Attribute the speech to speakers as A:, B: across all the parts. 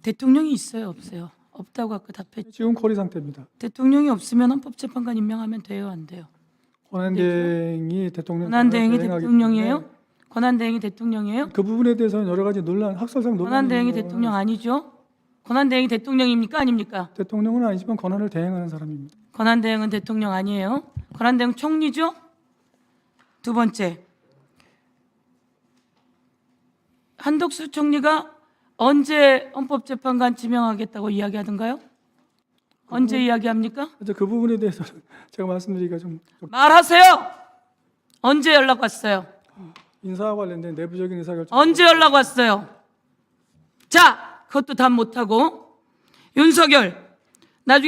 A: 대통령이 있어요, 없어요? 없다고 아까 답했죠.
B: 지금 고리 상태입니다.
A: 대통령이 없으면 헌법재판관 임명하면 돼요, 안 돼요?
B: 권한대행이 대통령
A: 권한대행이
B: 대행하기
A: 대통령이에요?
B: 때문에
A: 권한대행이 대통령이에요?
B: 그 부분에 대해서는 여러 가지 논란, 학설상 논란이
A: 권한대행이
B: 있는
A: 대통령
B: 거는
A: 아니죠? 권한대행이 대통령입니까, 아닙니까?
B: 대통령은 아니지만 권한을 대행하는 사람입니다.
A: 권한대행은 대통령 아니에요? 권한대행 총리죠? 두 번째, 한덕수 총리가 언제 헌법재판관 지명하겠다고 이야기하던가요? 언제 이야기합니까?
B: 그래서 그 부분에 대해서는 제가 말씀드리기가 좀
A: 말하세요. 언제 연락 왔어요?
B: 인사와 관련된 내부적인 의사결정.
A: 언제 연락 왔어요? 자, 그것도 답 못하고 윤석열 나중에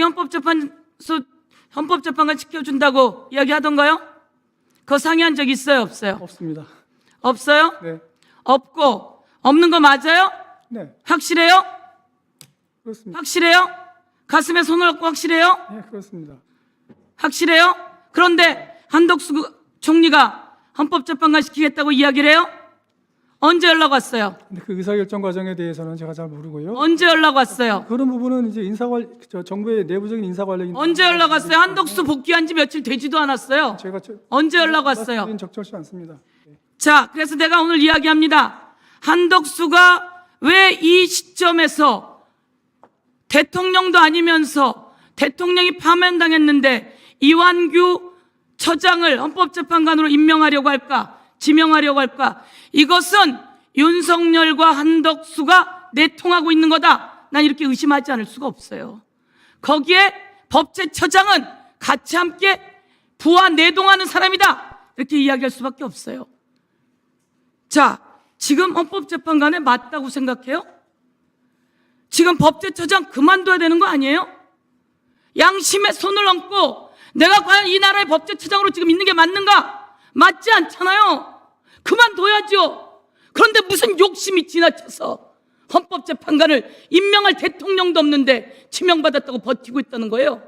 A: 헌법재판관 시켜준다고 이야기하던가요? 그거 상의한 적 있어요, 없어요?
B: 없습니다.
A: 없어요?
B: 네,
A: 없고 없는 거 맞아요?
B: 네,
A: 확실해요?
B: 그렇습니다.
A: 확실해요? 가슴에 손을 얹고 확실해요?
B: 네, 그렇습니다.
A: 확실해요? 그런데 한덕수 총리가 헌법재판관 시키겠다고 이야기를 해요? 언제 연락 왔어요?
B: 근데 그 의사결정 과정에 대해서는 제가 잘 모르고요.
A: 언제 연락 왔어요?
B: 그런 부분은 이제 정부의 내부적인 인사 관련.
A: 언제 연락 왔어요? 한덕수 복귀한 지 며칠 되지도 않았어요.
B: 제가
A: 언제 연락 왔어요?
B: 말씀드린 적절치 않습니다.
A: 자, 그래서 내가 오늘 이야기합니다. 한덕수가 왜 이 시점에서 대통령도 아니면서 대통령이 파면당했는데 이완규 처장을 헌법재판관으로 임명하려고 할까? 지명하려고 할까? 이것은 윤석열과 한덕수가 내통하고 있는 거다. 난 이렇게 의심하지 않을 수가 없어요. 거기에 법제처장은 같이 함께 부하 내동하는 사람이다. 이렇게 이야기할 수밖에 없어요. 자, 지금 헌법재판관에 맞다고 생각해요? 지금 법제처장 그만둬야 되는 거 아니에요? 양심에 손을 얹고 내가 과연 이 나라의 법제처장으로 지금 있는 게 맞는가? 맞지 않잖아요. 그만둬야죠. 그런데 무슨 욕심이 지나쳐서 헌법재판관을 임명할 대통령도 없는데 지명받았다고 버티고 있다는 거예요.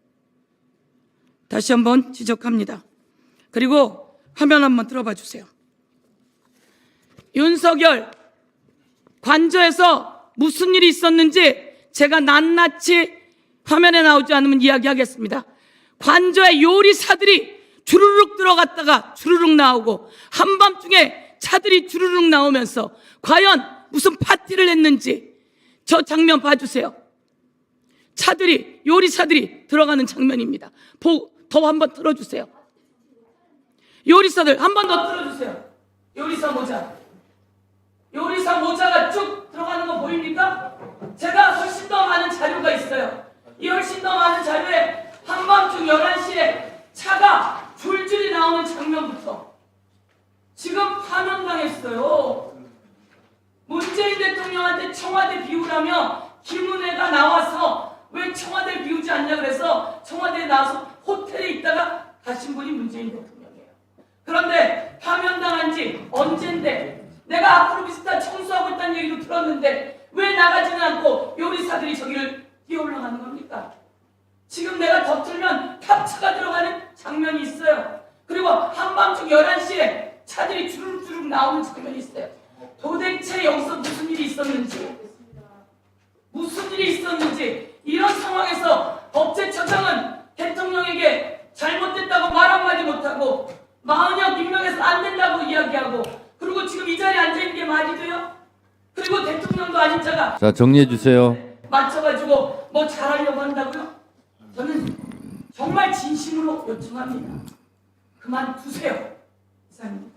A: 다시 한번 지적합니다. 그리고 화면 한번 들어봐 주세요. 윤석열 관저에서 무슨 일이 있었는지 제가 낱낱이 화면에 나오지 않으면 이야기하겠습니다. 관저에 요리사들이 주르륵 들어갔다가 주르륵 나오고 한밤중에 차들이 주르륵 나오면서 과연 무슨 파티를 했는지 저 장면 봐주세요. 차들이 요리사들이 들어가는 장면입니다. 더 한번 틀어주세요. 요리사들 한 번 더 틀어주세요. 요리사 모자. 요리사 모자가 쭉 들어가는 거 보입니까? 제가 훨씬 더 많은 자료가 있어요. 이 훨씬 더 많은 자료에 한밤중 11시에 차가 줄줄이 나오는 장면부터 지금 파면당했어요. 문재인 대통령한테 청와대 비우라며 김은혜가 나와서 왜 청와대를 비우지 않냐 그래서 청와대에 나와서 호텔에 있다가 가신 분이 문재인 대통령이에요. 그런데 파면당한 지 언젠데 내가 앞으로 비슷한 청소하고 있다는 얘기도 들었는데 왜 나가지는 않고 요리사들이 저기를 뛰어 올라가는 겁니까? 지금 내가 더 틀면 탑차가 들어가는 장면이 있어요. 그리고 한밤중 11시에 차들이 주르륵 나오는 장면이 있어요. 도대체 여기서 무슨 일이 있었는지 이런 상황에서 법제처장은 대통령에게 잘못됐다고 말 한마디 못하고 마흔역 임명해서 안 된다고 이야기하고 그리고 지금 이 자리에 앉아있는 게 말이 돼요? 그리고 대통령도 아닌 자가
C: 자, 정리해 주세요.
A: 맞춰가지고 뭐 잘하려고 한다고요? 저는 정말 진심으로 요청합니다. 그만두세요. 이상입니다.